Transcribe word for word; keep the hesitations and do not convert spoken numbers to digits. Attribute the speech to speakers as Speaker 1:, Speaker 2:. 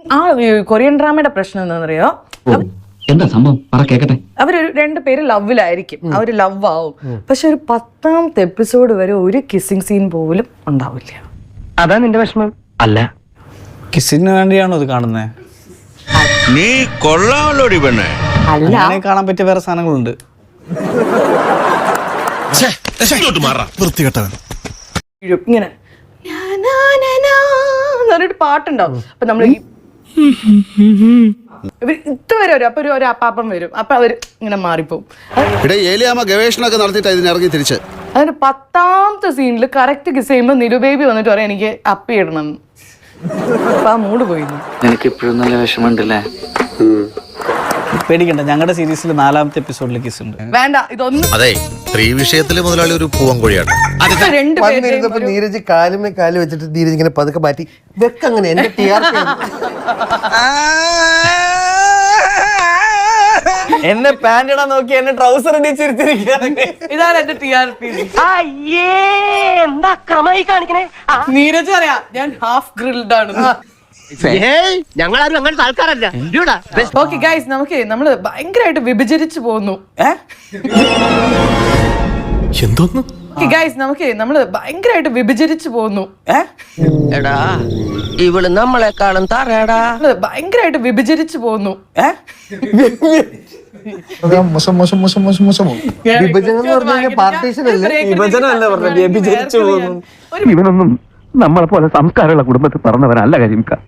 Speaker 1: ആ കൊറിയൻ ഡ്രാമയുടെ പ്രശ്നം എന്താണെന്നറിയോ?
Speaker 2: എന്താ സംഭവം പറ കേക്കട്ടെ.
Speaker 1: അവരൊരു രണ്ടുപേര് ലവിലായിരിക്കും, അവര് ലവ് ആവും, പക്ഷെ ഒരു പത്താമത്തെ എപ്പിസോഡ് വരെ ഒരു കിസ്സിങ് സീൻ പോലും ഉണ്ടാവില്ല.
Speaker 3: അതാ നിന്റെ വിഷമം?
Speaker 2: അല്ല,
Speaker 4: കിസിന് വേണ്ടിയാണോ ഇത് കാണുന്നത്?
Speaker 5: നീ കൊള്ളാമല്ലോടി പെണ്ണെ.
Speaker 4: അങ്ങനെ കാണാൻ പറ്റിയ വേറെ സാധനങ്ങളുണ്ട്.
Speaker 1: ഇങ്ങനെ എന്നൊരു പാട്ടുണ്ടാവും. അപ്പൊ നമ്മള് ഇവർ ഇതുവരെ വരും, അപ്പൊ ഒരു അപ്പാപ്പം വരും, അപ്പൊ അവര് ഇങ്ങനെ മാറിപ്പോവും.
Speaker 6: ഏലിയാമ്മ ഗവേഷണമൊക്കെ നടത്തിയിട്ട് ഇതിന് ഇറങ്ങി തിരിച്ച്
Speaker 1: അതിന്റെ പത്താമത്തെ സീനിൽ കറക്റ്റ് കിസ് ചെയ്യുമ്പോ നിരുബേബി വന്നിട്ട് പറയാം എനിക്ക് അപ്പി ഇടണം. അപ്പൊ ആ മൂഡ് പോയിരുന്നു.
Speaker 2: നിനക്ക് ഇപ്പോഴും നല്ല വിഷമമുണ്ടല്ലേ?
Speaker 4: പേടിക്കണ്ട, ഞങ്ങളുടെ സീരീസിൽ നാലാമത്തെ എപ്പിസോഡിൽ കിസ് ഉണ്ട്.
Speaker 1: വേണ്ട, ഇതൊന്നും
Speaker 5: അതെ, സ്ത്രീ വിഷയത്തില് മുതലാളി ഒരു പൂവൻകോഴിയാണ്.
Speaker 1: രണ്ടുപേരും
Speaker 7: നീരജ് കാലുമേ കാല് വെച്ചിട്ട് നീരജ് ഇങ്ങനെ പതുക്കെ മാറ്റി വെക്കങ്ങനെ എന്റെ ടി ആർ പി
Speaker 4: എന്നെ പാന്റ് ഇടാൻ നോക്കി എന്നെ ട്രൗസർ ഇടിച്ചിരുത്തിരിക്കുകയാണ്.
Speaker 1: ഇതാണ് എന്റെ ടി ആർ പി.
Speaker 3: അയ്യേ എന്താ ക്രമായി കാണിക്കണേ?
Speaker 1: നീരജ് അറിയാ ഞാൻ ഹാഫ് ഗ്രിൽഡ് ആണ്.
Speaker 3: ഞങ്ങളാരും അങ്ങനത്തെ ആൾക്കാരല്ല.
Speaker 1: ഓക്കെ ഗൈസ്, നമുക്ക് നമ്മള് ഭയങ്കരമായിട്ട് വിഭജിച്ചു പോകുന്നു.
Speaker 5: എന്തോന്നു
Speaker 1: ഗൈസ് നമുക്ക് നമ്മള് ഭയങ്കരമായിട്ട് വിഭജിച്ചു പോകുന്നു.
Speaker 3: എടാ ഇവള് നമ്മളെക്കാളും തറയടാ.
Speaker 1: ഭയങ്കരമായിട്ട് വിഭജിച്ചു പോകുന്നു.
Speaker 7: മോശം മോശം മോശം മോശം മോശമോ വിഭജനം എന്ന് പറഞ്ഞു കഴിഞ്ഞാൽ പാർട്ടീഷൻ അല്ലേ?
Speaker 4: വിഭജനമല്ല പറഞ്ഞത്, വ്യഭിചരിച്ചു പോകുന്നു.
Speaker 8: ഇവനൊന്നും നമ്മളെ പോലെ സംസ്കാരമുള്ള കുടുംബത്തിൽ പറഞ്ഞവനല്ല കരിമിക്ക.